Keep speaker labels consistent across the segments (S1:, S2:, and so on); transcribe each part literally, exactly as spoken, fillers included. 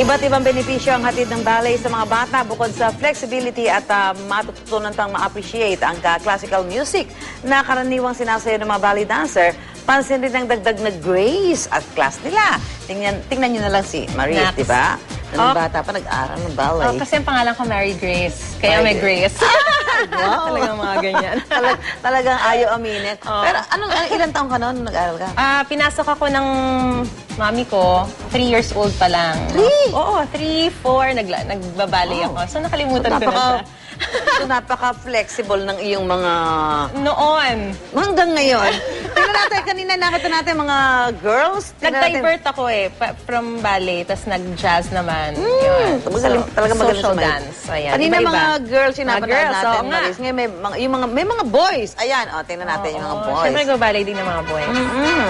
S1: Iba't ibang benepisyo ang hatid ng ballet sa mga bata bukod sa flexibility at uh, matututunan tang ma-appreciate ang uh, classical music na karaniwang sinasayo ng mga ballet dancer. Pansin rin ang dagdag na grace at class nila. Tingnan, tingnan nyo na lang si Marie, di ba? Nung oh. bata pa nag-aral ng ballet.
S2: Oh, kasi ang pangalan ko Mary Grace. Kaya Mary may Grace.
S1: Wow.
S2: Talagang mga ganyan.
S1: Talag, talagang ayaw aminin. Oh. Pero anong, ilang taong ka noon nung nag-aral ka?
S2: Uh, pinasok ako ng mami ko, three years old pa lang.
S1: Three?
S2: Oo, three, four, nagla, nagbabalay oh. ako. So nakalimutan so, ko na siya.
S1: So napaka-flexible ng iyong mga...
S2: Noon.
S1: Hanggang ngayon. Tingnan natin, kanina nakita natin mga girls.
S2: Nag-divert natin... ako eh, pa, from ballet, tapos nag-jazz naman.
S1: Mm, yun. So, talaga
S2: social dance. Ayan,
S1: kanina
S2: iba-iba.
S1: mga girls yung napanood natin.
S2: So,
S1: Maris. Ngayon may mga, yung mga, may mga boys. Ayan, o, tingnan natin oh, yung mga boys.
S2: Siyempre nag-ballet din ng mga boys.
S1: Mm-hmm.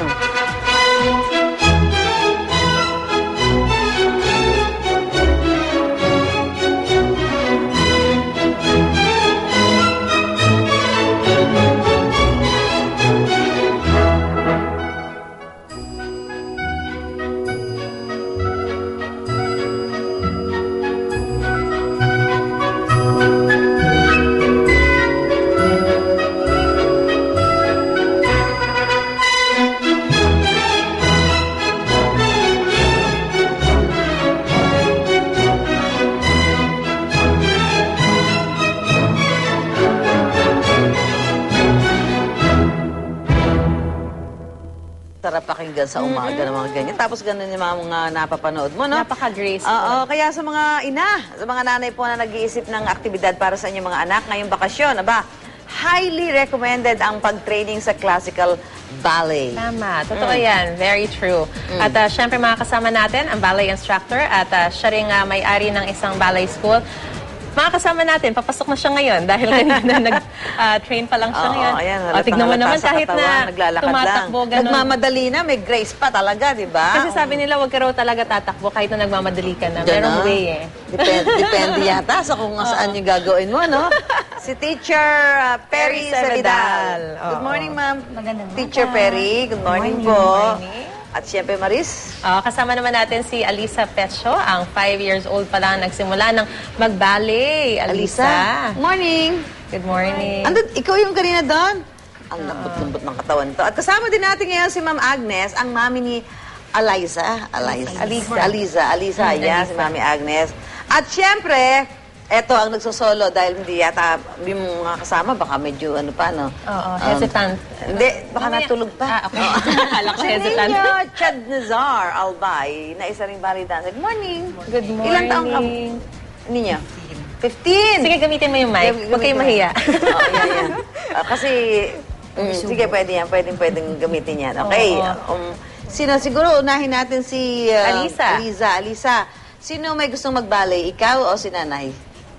S1: Sarap pakinggan sa umaga mm-hmm. ng mga ganyan. Tapos ganun yung mga, mga napapanood mo, no?
S2: Napaka-graceful.
S1: Oo, kaya sa mga ina, sa mga nanay po na nag-iisip ng aktibidad para sa inyong mga anak ngayong bakasyon, aba, highly recommended ang pag-training sa classical ballet.
S2: Tama. Totoo mm. yan. Very true. Mm. At uh, syempre makakasama natin ang ballet instructor at uh, siya rin uh, may-ari ng isang ballet school. Makakasama natin, papasok na siya ngayon dahil kanina nag-train uh, pa lang siya
S1: Oo,
S2: ngayon.
S1: Ayan,
S2: o, tignan mo naman kahit
S1: katawan,
S2: na tumatakbo,
S1: ganun. Nagmamadali na, may grace pa talaga, di ba?
S2: Kasi sabi nila, wag ka raw talaga tatakbo kahit na nagmamadali ka na. Merong way eh.
S1: Depende, depende yata sa kung saan yung gagawin mo, no? Si Teacher uh, Perry Savidal. Good morning, ma'am. Teacher Perry, good morning, good morning po. Good morning. At siyempre, Maris.
S2: Uh, kasama naman natin si Alisa Pecho, ang five years old pa lang nagsimula ng mag-ballet. Alisa.
S1: Alisa. Morning.
S2: Good morning.
S1: Andun, ikaw yung kanina doon? Ang lambot-lambot ng katawan to. At kasama din natin ngayon si Ma'am Agnes, ang mami ni Aliza. Aliza.
S2: Alisa.
S1: Alisa. Alisa. Yan, si Mami Agnes. At siyempre, eto ang nagsosolo dahil hindi yata yung mga kasama, baka medyo ano pa, no?
S2: Oo, um, hesitant.
S1: Hindi, baka natulog pa.
S2: Ah, okay. Akala ko hesitant.
S1: Si Ninyo Chad Nazar Albay, na isa ring ballet dancer. Good morning.
S2: Good morning.
S1: Ilang taong ka? Ninyo? fifteen.
S2: Sige, gamitin mo yung mic. Huwag kayong mahiya.
S1: Oo, yan, yan. Uh, kasi, mm, sige, pwede yan. Pwedeng, pwedeng gamitin yan. Okay. Um, sino, siguro, unahin natin si... Uh,
S2: Alisa.
S1: Alisa. Alisa. Sino may gustong mag-ballet? Ikaw o si nanay?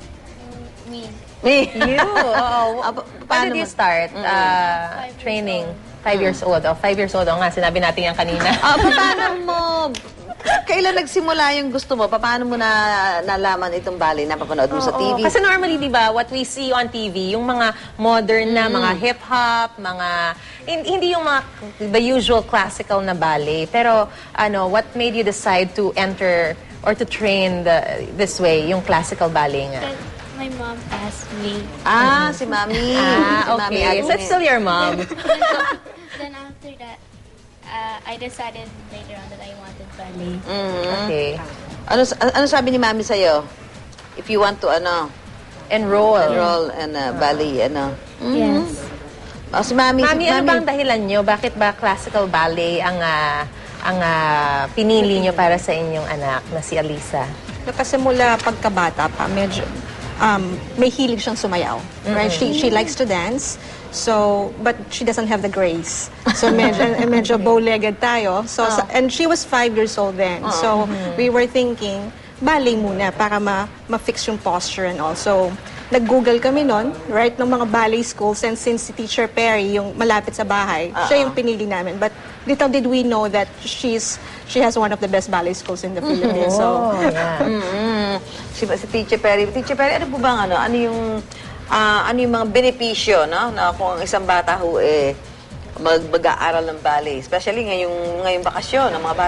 S2: Me.
S1: Me?
S2: You? Oo.
S1: Uh,
S2: When did you start mm -hmm. uh, training? Five years old. Oh, five years old. O nga, sinabi natin yan kanina.
S1: Uh, paano mo... Kailan nagsimula yung gusto mo? Paano mo na nalaman itong ballet na papanood mo oh, sa T V?
S2: Oh. Kasi normally, di ba, what we see on T V, yung mga modern na, mm. mga hip-hop, mga... Hindi yung mga the usual classical na ballet. Pero, ano, what made you decide to enter or to train the, this way, yung classical ballet nga?
S3: My mom asked me.
S1: Ah, si Mami.
S2: Ah, okay. Mami so, it's still your mom.
S3: Then after that, uh, I decided later on that I wanted ballet.
S1: Mm-hmm.
S2: Okay.
S1: Ano, ano sabi ni Mami sa'yo? If you want to, ano?
S2: Enroll.
S1: Enroll in uh, ballet, ano?
S3: Mm-hmm. Yes.
S1: Oh, si Mami.
S2: Mami,
S1: si
S2: ano
S1: Mami.
S2: bang dahilan nyo? Bakit ba classical ballet ang, uh, ang uh, pinili nyo para sa inyong anak na si Alisa?
S4: Kasi mula pagkabata pa, medyo... Um, may hilig siyang sumayaw. Right? Mm-hmm. She she likes to dance. So, but she doesn't have the grace. So, medyo, medyo bow-legged tayo. So, oh. and she was five years old then. Oh. So, mm-hmm. we were thinking, ballet muna para ma ma-fix yung posture and all. So, nag-google kami nun, right, ng mga ballet schools. And since si Teacher Perry, yung malapit sa bahay, uh-uh. siya yung pinili namin. But little did we know that she's she has one of the best ballet schools in the Philippines.
S2: Oh,
S4: so,
S2: yeah.
S1: mm-hmm. Si, si Teacher Perry. Teacher Perry, ano po bang ano? Ano yung, uh, ano yung mga benepisyo, no? Na kung ang isang bata ho, eh, mag-aaral ng ballet. Especially ngayong, ngayong bakasyon ng mga bata.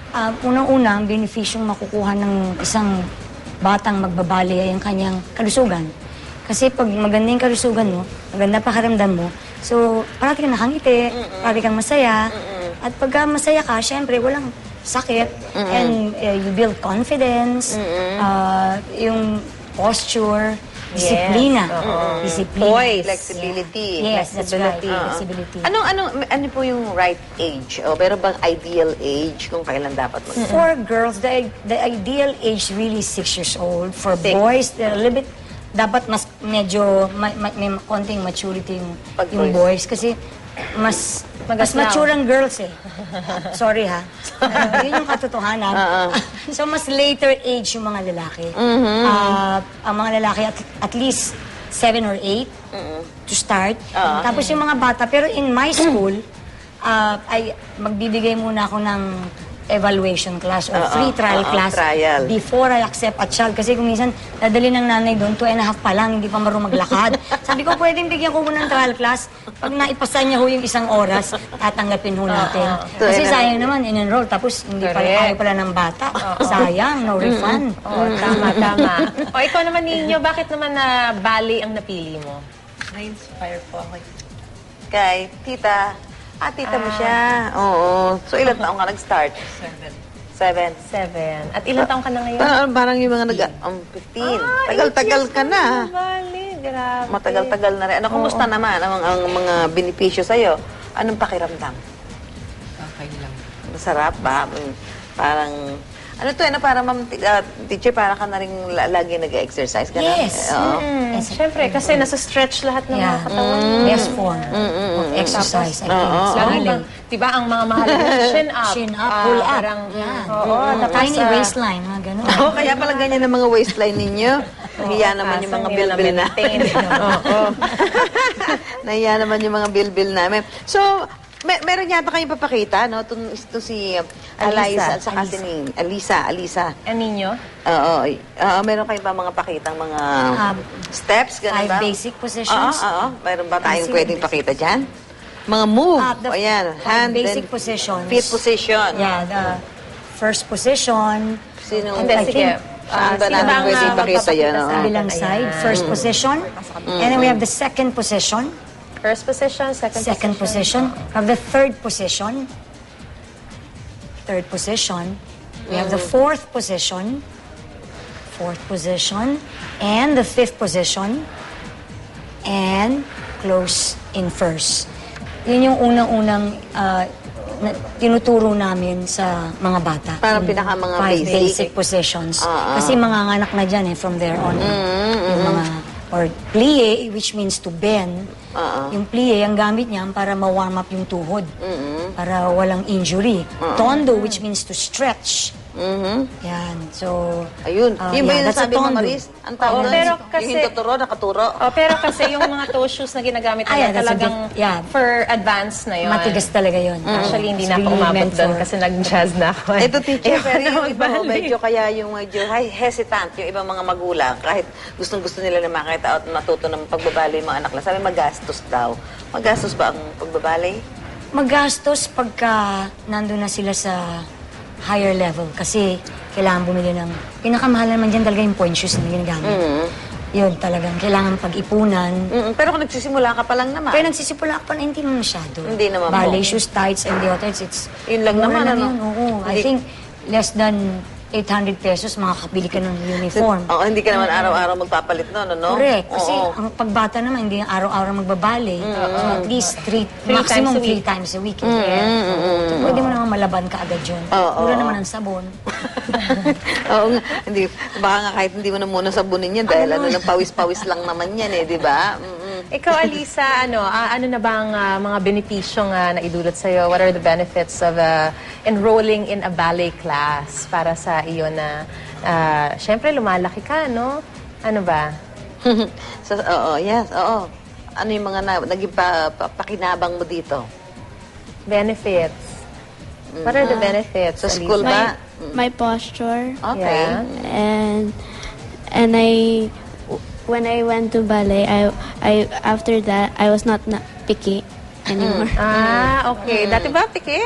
S5: Ah, unang-una, ang benefisyong makukuha ng isang batang magbabali ay ang kanyang kalusugan. Kasi pag maganda yung kalusugan mo, maganda pakiramdam mo, so parati kang nakangiti, parati kang masaya. At pagka masaya ka, syempre, walang sakit. And uh, you build confidence, uh, yung posture, disiplina. Disiplina.
S1: Poise. Flexibility.
S5: Yes, that's right.
S1: Flexibility.
S5: Flexibility.
S1: Anong, anong, ano po yung right age? O meron bang ideal age kung kailan dapat mag
S5: For girls, the, the ideal age really is six years old. For
S1: Six.
S5: boys, they're a little bit, dapat mas medyo, ma, ma, may konting maturity yung,
S1: Pag
S5: yung
S1: boys.
S5: boys. Kasi mas, mas
S2: Magaslaw.
S5: mature ang girls eh. Sorry ha. Uh, yun yung katotohanan. So mas later age yung mga lalaki. Ah, ang mga lalaki at, at least seven or eight to start. Tapos yung mga bata, pero in my school, ah, ay magbibigay muna ako ng evaluation class or
S1: Oo,
S5: free trial
S1: oo,
S5: class
S1: trial.
S5: before I accept a child. Kasi kung minsan, dadali ng nanay doon, two and a half pa lang, hindi pa marunong maglakad. Sabi ko, pwedeng bigyan ko muna ng trial class. Pag naipasa niya ho yung isang oras, tatanggapin ho natin.
S1: Two
S5: Kasi
S1: and a half.
S5: sayang naman, in-enroll, tapos hindi pala,
S2: Correct.
S5: ayaw pala ng bata. Sayang, no refund.
S2: Oh, tama, tama. O, ikaw naman ninyo, bakit naman na ballet ang napili mo?
S6: Na-inspire po ako.
S1: Kay tita. Ah, tita mo siya. Oo. So, ilan taong ka nag-start?
S6: Seven.
S1: Seven.
S2: Seven. At ilang taong ka na ngayon?
S1: Parang, parang yung mga nag... Um, fifteen. Tagal-tagal ka na.
S2: Ballet, grabe.
S1: Matagal-tagal na rin. Ano, kumusta naman ang, ang mga benepisyo sa'yo? Anong pakiramdam?
S6: Okay lang.
S1: Masarap ba? Mm, Parang... Ano to, ano, para ma'am, uh, teacher, para ka na rin la- lagi nag-exercise ka na?
S5: Yes.
S1: Oo.
S2: Mm, Siyempre, kasi nasa-stretch lahat ng mga
S5: Yeah.
S2: katawan.
S5: Best form of exercise, I think.
S1: Oo.
S2: Lalo
S5: Ballet.
S2: bang, di ba, ang mga mahalaga, chin up.
S5: Chin up,
S2: Ah,
S5: pull up.
S2: Parang,
S5: Yan.
S2: Oo, tapos,
S5: Tiny
S2: ah,
S5: waistline, mga ganun.
S1: Oo, kaya pala ganyan ang mga waistline ninyo. Nahiya naman yung mga
S2: Pasang nila
S1: bilbil na.
S2: maintain. Oo.
S1: Nahiya naman yung mga bilbil namin. So, may, meron yata kayong papakita, no? Ito, ito si uh, Eliza at saka si ni Alisa. Alisa.
S2: Ang ninyo?
S1: Oo. Oo, meron kayong ba mga pakitang mga
S5: Um,
S1: steps? Ganun
S5: five
S1: ba?
S5: basic positions.
S1: Oo, oo. Meron ba tayong
S5: Basic
S1: pwedeng
S5: basic.
S1: pakita dyan? Mga move.
S5: Ah, the
S1: Ayan.
S5: five
S1: Hand
S5: basic
S1: and
S5: positions.
S1: feet position.
S5: Yeah, the first position.
S1: Sinong,
S2: Hindi,
S5: I
S2: sige.
S5: think,
S1: saan ba
S2: sino
S1: namin
S2: ba ang,
S1: pwedeng
S2: ah,
S1: ipakita
S2: magpapakita
S1: yan?
S2: sa
S1: oo?
S2: atin?
S5: Kabilang
S2: Ayan.
S5: side, first position. And then we have the second position.
S2: First position, second,
S5: Second position. We have the third position. Third position. We have the fourth position. Fourth position. And the fifth position. And close in first. Yun yung unang-unang ah, na, tinuturo namin sa mga bata.
S1: Parang
S5: Yung
S1: pinaka mga
S5: five
S1: basic.
S5: basic positions.
S1: Ah, ah.
S5: Kasi mga anak na dyan eh, from there on. Yung mga, or plie, which means to bend.
S1: Ah, ah.
S5: Yung plie, ang gamit niya para ma-warm up yung tuhod. Para walang injury. Tondo, which means to stretch.
S1: Mhm.
S5: Yan. So,
S1: Ayun.
S5: ah,
S1: Yun ba
S5: yeah,
S1: yung
S5: that's a
S1: nasabi mo,
S5: tondo.
S1: Maris? Ang tawag
S2: Oo,
S1: nun?
S2: pero
S1: Yung
S2: kasi-
S1: hintuturo, nakaturo.
S2: Oh, pero kasi yung mga toe shoes na ginagamit
S5: Ah,
S2: nila
S5: yeah, that's a
S2: talagang
S5: big- yeah.
S2: for advance na yun.
S5: Matigas talaga yun.
S2: Actually, hindi
S5: It's
S2: na ako
S5: really
S2: umabot
S5: meant
S2: doon
S5: for-
S2: kasi nag-jazz na ako. eh.
S1: Ito, teacher,
S2: Ayoko
S1: pero
S2: na
S1: yung iba, oh,
S2: mag-ballet.
S1: medyo kaya yung medyo hi- hesitant, yung ibang mga magulang, kahit gustong-gusto nila na makita at matuto ng pagbabali yung mga anak nila. Sabi, magastos daw. Magastos ba ang pagbabali?
S5: Magastos pagka nandun na sila sa higher level kasi kailangan bumili ng... Pinakamahal naman dyan talaga yung point shoes na ginagamit. Yun talagang kailangan pag-ipunan.
S1: Mm, pero kung nagsisimula ka pa lang naman.
S5: Pero nagsisimula ka pa na hindi naman masyado.
S1: Hindi naman po.
S5: Ballet shoes, tights, and the others, it's...
S1: Yun lang
S5: mura
S1: naman,
S5: lang
S1: ano?
S5: yun, oo. I
S1: Hindi-
S5: think less than eight hundred pesos makakabili ka ng uniform.
S1: Oo, hindi ka naman araw-araw magpapalit nun, ano?
S5: Correct. Kasi
S1: Oo.
S5: ang pagbata naman, hindi araw-araw magbabale. So at least three,
S2: Three
S5: maximum
S2: times a
S5: three
S2: week.
S5: times a week. Yes. So, pwede mo naman malaban ka agad yun.
S1: Oo,
S5: Mura
S1: oo.
S5: naman ang sabon.
S1: Oo nga. Hindi, baka nga kahit hindi mo na muna sabunin yan dahil ano, lang pawis-pawis lang naman yan eh, di ba? Mm-mm.
S2: Ikaw, Alisa, ano, ah, ano na bang ah, mga benepisyong uh, naidulot sa'yo? What are the benefits of uh, enrolling in a ballet class para sa iyo na, uh, syempre, lumalaki ka, no? Ano ba?
S1: so, oo, yes, oo. Ano yung mga na, naging pa, pa- pakinabang mo dito?
S2: Benefits. What are the benefits,
S1: Sa school
S2: Alisa?
S1: ba?
S3: My posture.
S1: Okay.
S2: Yeah.
S3: and and I when I went to ballet, I I after that I was not, not picky.
S5: anymore.
S2: Ah, okay. Dati ba, piki?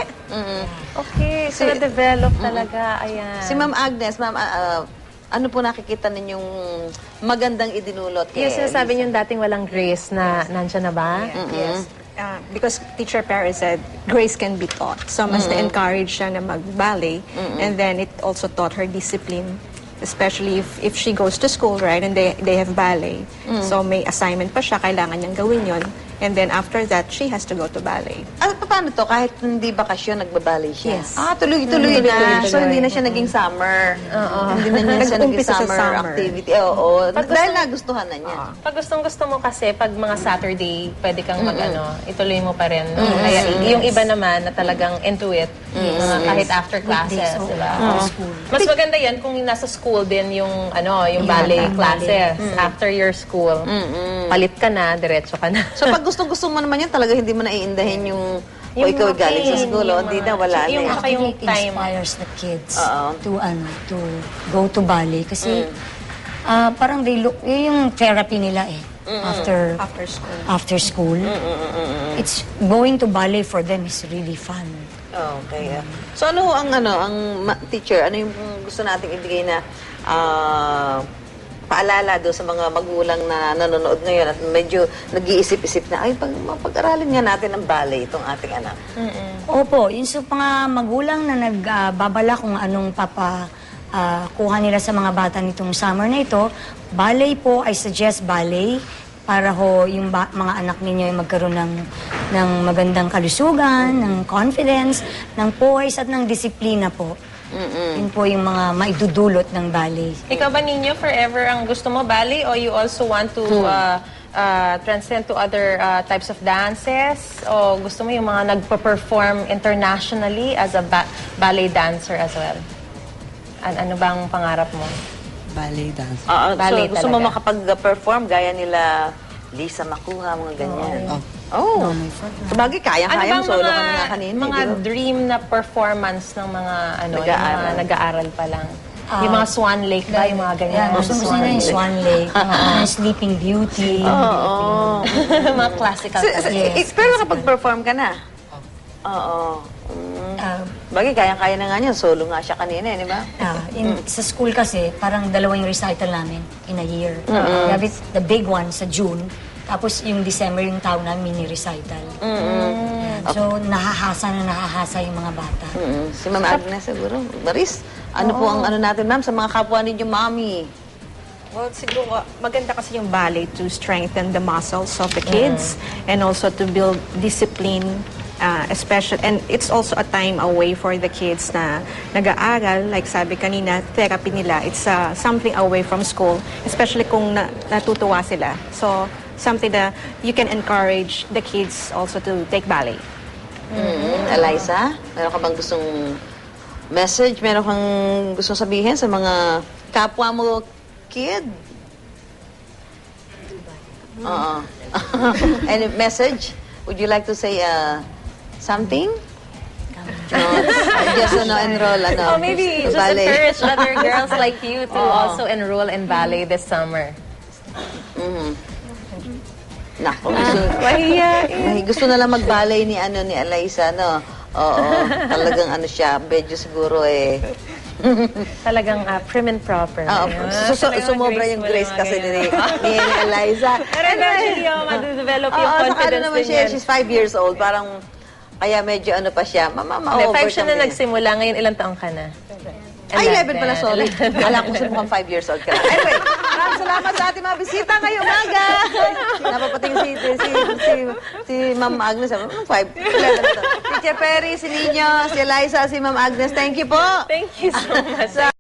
S2: Okay, so
S1: Si-
S2: na-develop talaga. Ayan.
S1: Si Ma'am Agnes, Ma'am, ah, ah, ano po nakikita ninyong magandang idinulot kay
S2: Yung sinasabi
S1: Elisa?
S2: niyo dating walang grace na nandyan na ba?
S4: Yes. Uh, because teacher Perez said grace can be taught. So mas na-encourage siya na mag-ballet. And then it also taught her discipline. Especially if, if she goes to school, right, and they, they have ballet. So may assignment pa siya, kailangan niyang gawin yon. And then after that, she has to go to ballet.
S1: Ah, paano to? Kahit hindi bakasyon, nagbabalay siya?
S4: Yes.
S1: Ah, tuloy-tuloy na.
S2: Tuloy-tuloy.
S1: So, hindi na siya naging summer. Hindi na niya siya naging
S4: Nag-umpisa sa
S1: summer,
S4: summer.
S1: activity. Oo.
S2: Pag
S1: Dahil
S2: gusto-
S1: nagustuhan na niya.
S2: Pag gustong-gusto mo kasi, pag mga Saturday, pwede kang mag-ano, ituloy mo pa rin. No? Kaya yung iba naman na talagang into it, mga kahit after classes,
S5: Weekdays, oo.
S2: di ba?
S5: After school.
S2: Mas maganda yan kung nasa school din yung, ano, yung ballet
S5: Yung
S2: classes. After your school, palit ka na, diretso ka na.
S1: So, pag gusto-gusto mo naman yan, talaga hindi mo naiindahin yung, o
S2: Yung
S1: ikaw
S2: mga
S1: galing sa
S2: pain,
S1: school, o
S2: yung
S1: hindi
S2: mga-
S1: na, wala na.
S2: yung
S1: eh.
S2: mga- yung
S5: It
S2: time.
S5: inspires the kids
S1: Oo.
S5: to ano to go to ballet kasi ah, parang they look yun yung therapy nila eh after
S4: After school.
S5: after school. It's going to ballet for them is really fun.
S1: Okay. ah. So, ano ang, ano, ang ma- teacher, ano yung gusto nating ibigay na ah, paalala do sa mga magulang na nanonood ngayon at medyo nag-iisip-isip na, ay, pag, pag-aralin nga natin ang ballet itong ating anak.
S5: Opo, yung sa mga magulang na nagbabala kung anong papa ah, kuha nila sa mga bata nitong summer na ito, ballet po, I suggest ballet para ho yung ba- mga anak ninyo ay magkaroon ng, ng magandang kalusugan, ng confidence, ng poise at ng disiplina po. Yun po yung mga maidudulot ng ballet.
S2: Ikaw ba ninyo forever ang gusto mo ballet or you also want to uh, uh, transcend to other uh, types of dances? O gusto mo yung mga nagpa-perform internationally as a ba- ballet dancer as well? An- ano bang pangarap mo?
S6: Ballet dance.
S1: Oo,
S2: Ballet
S1: so, gusto mo
S2: talaga.
S1: makapag-perform gaya nila Lisa Makuha, mga ganyan.
S6: Oh.
S1: Oh. Sabagay, kaya-kaya mo
S2: Ano bang
S1: solo
S2: mga,
S1: ka na nga kanina.
S2: mga
S1: di ba?
S2: dream na performance ng mga ano, yung
S1: Nag-aaral.
S2: mga nag-aaral pa lang? yung mga Swan Lake ba? Yung mga ganyan?
S5: Yeah, gusto gusto nila yung Swan Lake, yung Sleeping Beauty.
S1: Oo.
S2: mga classical
S1: So, so,
S2: talaga.
S1: eh, pero nakapag-perform ka na? Oo. Mm.
S5: Ah,
S1: Bagay, kaya-kaya na nga niya. Solo nga siya kanina, eh, di ba?
S5: Ah, in, Sa school kasi, parang dalawa yung recital namin in a year. We have it- the big one sa June, tapos yung December yung tawag namin mini recital. Yan. So, nahahasa na nahahasa yung mga bata.
S1: Mm. Si Ma'am Agnes siguro. Maris, ano po ang ano natin, ma'am, sa mga kapwa ninyo, mami?
S4: Well, siguro, maganda kasi yung ballet to strengthen the muscles of the kids and also to build discipline, uh, especially, and it's also a time away for the kids na nag-aaral, like sabi kanina, therapy nila, it's uh, something away from school, especially kung na, natutuwa sila. So, something that you can encourage the kids also to take ballet.
S1: Mm. Eliza, meron ka bang gustong message? Meron kang gustong sabihin sa mga kapwa mo kid? Oo. Any message? Would you like to say uh, something? No, just ano, enroll, ano,
S2: Oh, maybe just
S1: ballet.
S2: encourage other girls like you to also enroll in ballet this summer.
S1: Nako, gusto,
S2: Mahiya.
S1: May gusto na lang mag-ballet ni ano ni Eliza, no? Oo, talagang ano siya, medyo siguro eh.
S2: Talagang uh, prim and proper.
S1: Oo,
S2: Ah,
S1: su- su-
S2: talagang
S1: sumobra yung
S2: graceful
S1: grace kasi ni,
S2: mga
S1: ni Eliza.
S2: Pero eventually, oh, madedevelop yung
S1: Oo, saka ano
S2: confidence
S1: naman
S2: din
S1: siya,
S2: yan.
S1: she's five years old, parang, kaya medyo ano pa siya, mama, ma
S2: Hindi, five siya na nagsimula. Ngayon, ilang taong ka na?
S1: Ay, eleven pala, sorry. Akala ko sa mukhang five years old ka na. Anyway, maraming salamat sa ating mga bisita ngayong umaga. Napapating si, si, si, si, si Ma'am Agnes. Hmm, five, eleven na to. Teacher Perry, si Nino, si Eliza, si Ma'am Agnes. Thank you po.
S2: Thank you so much.